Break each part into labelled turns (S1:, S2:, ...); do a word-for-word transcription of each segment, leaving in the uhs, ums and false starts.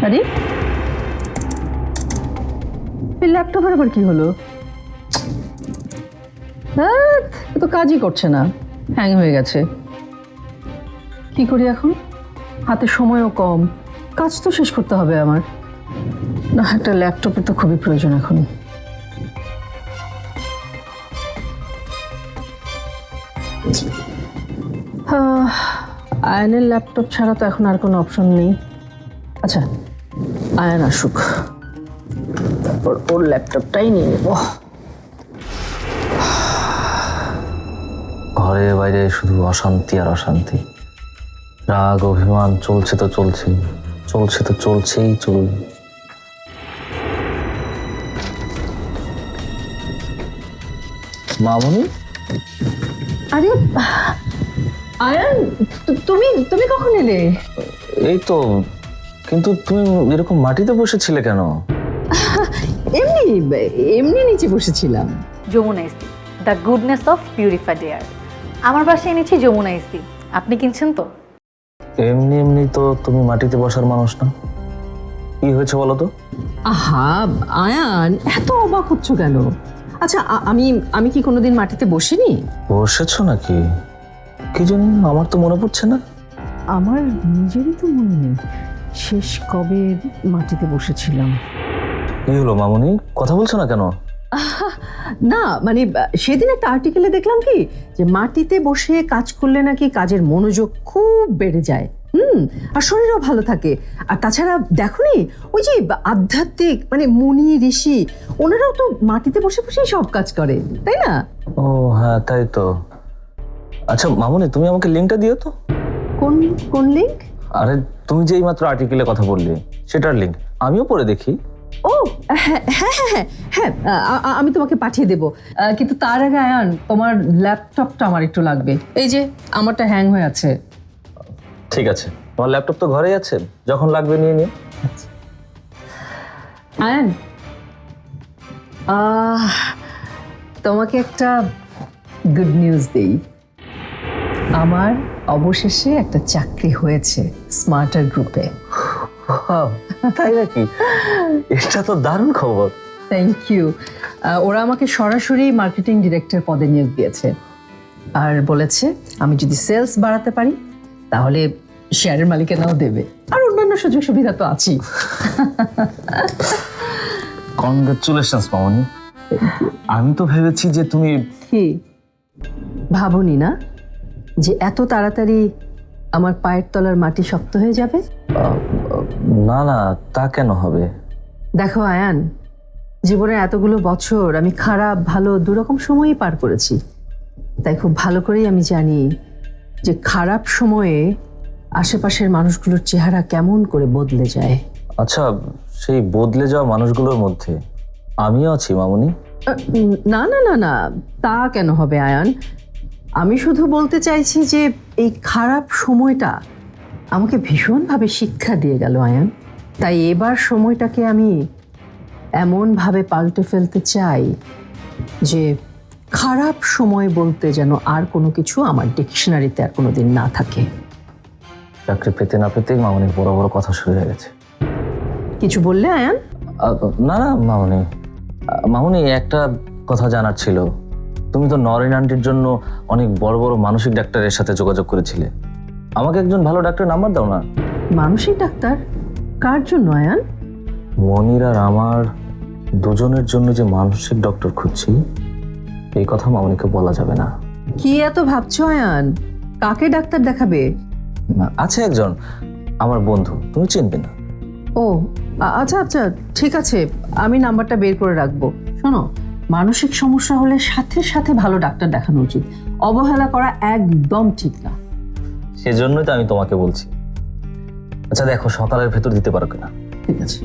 S1: আরে এই ল্যাপটপের আবার কি হলো? হ্যাঁ, এ তো কাজই করছে না, হ্যাং হয়ে গেছে। কি করি এখন? হাতে সময়ও কম, কাজ তো শেষ করতে হবে আমার। না, একটা ল্যাপটপের তো খুবই প্রয়োজন এখন। আহ, আয়নের ল্যাপটপ ছাড়া তো এখন আর কোনো অপশন নেই। আচ্ছা, আয়ন আসুক, তারপর ওর ল্যাপটপটাই নিয়ে নেব।
S2: ঘরে বাইরে শুধু অশান্তি আর অশান্তি, রাগ অভিমান চলছে তো চলছেই, চলছে তো চলছেই চলবে। মামনি,
S1: আরে আয়ন, তু- তুমি তুমি কখন এলে?
S2: এই তো, কিন্তু তুমি এরকম মাটিতে বসেছিলে কেন?
S1: এমনি এমনি নিচে বসেছিলাম।
S3: Jamuna AC, the goodness of purified air. আমার বাসায় এনেছি যমুনা এসি, আপনি কিনছেন তো?
S2: এমনি এমনি তো তুমি মাটিতে বসার মানুষ না। কি হয়েছে বলো তো?
S1: আহা আয়ান, এত অবাক হচ্ছ কেন? আচ্ছা, আ- আমি আমি কি কোনোদিন মাটিতে বসিনি?
S2: বসেছো নাকি? কি জানি, আমার তো মনে পড়ছে না।
S1: আমার নিজেরই তো মনে নেই শেষ কবে মাটিতে বসেছিলাম।
S2: কি হলো মামনি, কথা বলছো না কেন?
S1: না মানে আহ, সেদিন একটা আর্টিকেলে দেখলাম কি, যে মাটিতে বসে কাজ করলে নাকি কাজের মনোযোগ খুব বেড়ে যায়, হুম, আর শরীরও ভালো থাকে। আর তাছাড়া দেখোনি, ওই যে আধ্যাত্মিক মানে মুনি ঋষি, ওনারাও তো মাটিতে বসে বসেই সব কাজ করে, তাই না?
S2: ও হ্যাঁ, তাই তো। আচ্ছা মামনি, তুমি আমাকে লিঙ্কটা দিও তো।
S1: কোন কোন লিঙ্ক?
S2: আরে তুমি যে এইমাত্র আর্টিকেলে কথা বললে সেটার লিঙ্ক আমিও পড়ে দেখি।
S1: ও হ্যাঁ হ্যাঁ হ্যাঁ হ্যাঁ, আ- আ- আমি তোমাকে পাঠিয়ে দেবো। আহ, কিন্তু তার আগে আয়ান, তোমার ল্যাপটপটা আমার একটু লাগবে। এই যে আমারটা হ্যাং হয়ে আছে।
S2: ঠিক আছে, তোমার ল্যাপটপ তো ঘরেই আছে, যখন লাগবে নিয়ে নিও।
S1: আয়ান, আহ, তোমাকে একটা গুড নিউজ দেই। আমার অবশেষে একটা চাকরি হয়েছে স্মার্টার গ্রুপে।
S2: তাই নাকি? এটা তো দারুণ খবর।
S1: Thank you. ওরা আমাকে সরাসরি মার্কেটিং ডিরেক্টর পদে নিয়োগ দিয়েছে, আর বলেছে আমি যদি সেলস বাড়াতে পারি তাহলে শেয়ারের মালিকানাও দেবে, আর অন্যান্য সুযোগ সুবিধা তো আছেই।
S2: কনগ্রাচুলেশনস মামনি। আমি তো ভেবেছি যে তুমি
S1: কি ভাবনি না যে এত তাড়াতাড়ি আমার পায়ের তলার মাটি শক্ত হয়ে যাবে?
S2: না না, তা কেন হবে?
S1: দেখো আয়ান, জীবনে এতগুলো বছর আমি খারাপ ভালো দুরকম সময়ই পার করেছি, তাই খুব ভালো করেই আমি জানি যে খারাপ সময়ে আশেপাশের মানুষগুলোর চেহারা কেমন করে বদলে যায়।
S2: আচ্ছা, সেই বদলে যাওয়া মানুষগুলোর মধ্যে আমিও আছি মামনি।
S1: আহ, না না না না, তা কেন হবে আয়ান? আমি শুধু বলতে চাইছি যে এই খারাপ সময়টা আমাকে ভীষণভাবে শিক্ষা দিয়ে গেল আয়ান। তাই এবার সময়টাকে আমি এমনভাবে পাল্টে ফেলতে চাই যে খারাপ সময় বলতে যেন আর কোনো কিছু আমার ডিকশনারিতে আর কোনোদিন না থাকে।
S2: চাকরি পেতে না পেতেই মামনির বড় বড় কথা শুরু হয়ে গেছে।
S1: কিছু বললে আয়ান?
S2: আহ, না না মামনি, আহ, মামনি একটা কথা জানার ছিল। তুমি তো নরেন আন্টির জন্য অনেক বড় বড় মানসিক ডাক্তারের সাথে যোগাযোগ করেছিলে। আমাকে একজন ভালো ডাক্তার নাম্বার দাও না।
S1: মানসিক ডাক্তার? কার জন্য আয়ান?
S2: মনির আর আমার দুজনের জন্য যে মানসিক ডক্টর খুঁজছি, এই কথা মামনিকে বলা যাবে না।
S1: কি এত ভাবছো আয়ান? কাকে ডাক্তার দেখাবে?
S2: আছে একজন আমার বন্ধু, তুমি চিনবে না।
S1: ও আ- আচ্ছা আচ্ছা, ঠিক আছে, আমি নাম্বারটা বের করে রাখবো। শোনো, মানসিক সমস্যা হলে সাথে সাথে ভালো ডাক্তার দেখানো উচিত, অবহেলা করা একদম ঠিক না।
S2: সেজন্যই তো আমি তোমাকে বলছি। আচ্ছা দেখো, সকালের ভেতর দিতে পারো কিনা।
S1: ঠিক আছে।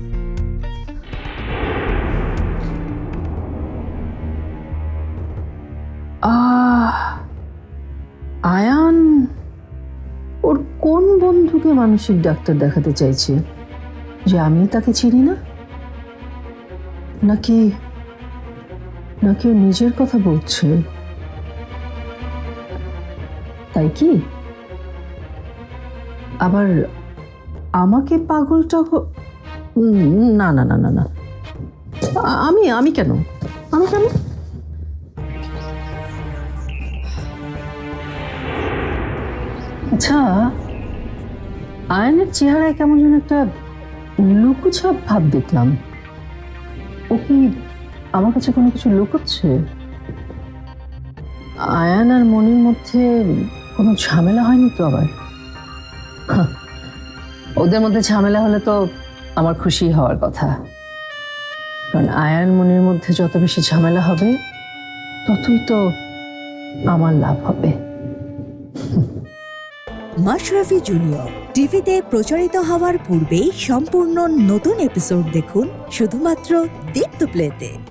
S1: আহ, আয়ান ওর কোন বন্ধুকে মানসিক ডাক্তার দেখাতে চাইছে যে আমি তাকে চিনি না? নাকি নাকি ও নিজের কথা বলছে? তাই কি? আবার আমাকে পাগলটা হ- উম, না না না না না আ- আমি আমি কেন আমি কেন আচ্ছা, আয়নের চেহারায় কেমন যেন একটা লুকুছাপ ভাব দেখলাম। ও কি আমার কাছে কোনো কিছু লুকোচ্ছে? আয়ান আর মনির মধ্যে কোনো ঝামেলা হয়নি তো আবার? হাহ, ওদের মধ্যে ঝামেলা হলে তো আমার খুশি হওয়ার কথা, কারণ আয়ান মনির মধ্যে যত বেশি ঝামেলা হবে ততই তো আমার লাভ হবে।
S4: মাশরাফি জুনিয়র টিভিতে প্রচারিত হওয়ার পূর্বেই সম্পূর্ণ নতুন এপিসোড দেখুন শুধুমাত্র দীপ্ত প্লেতে।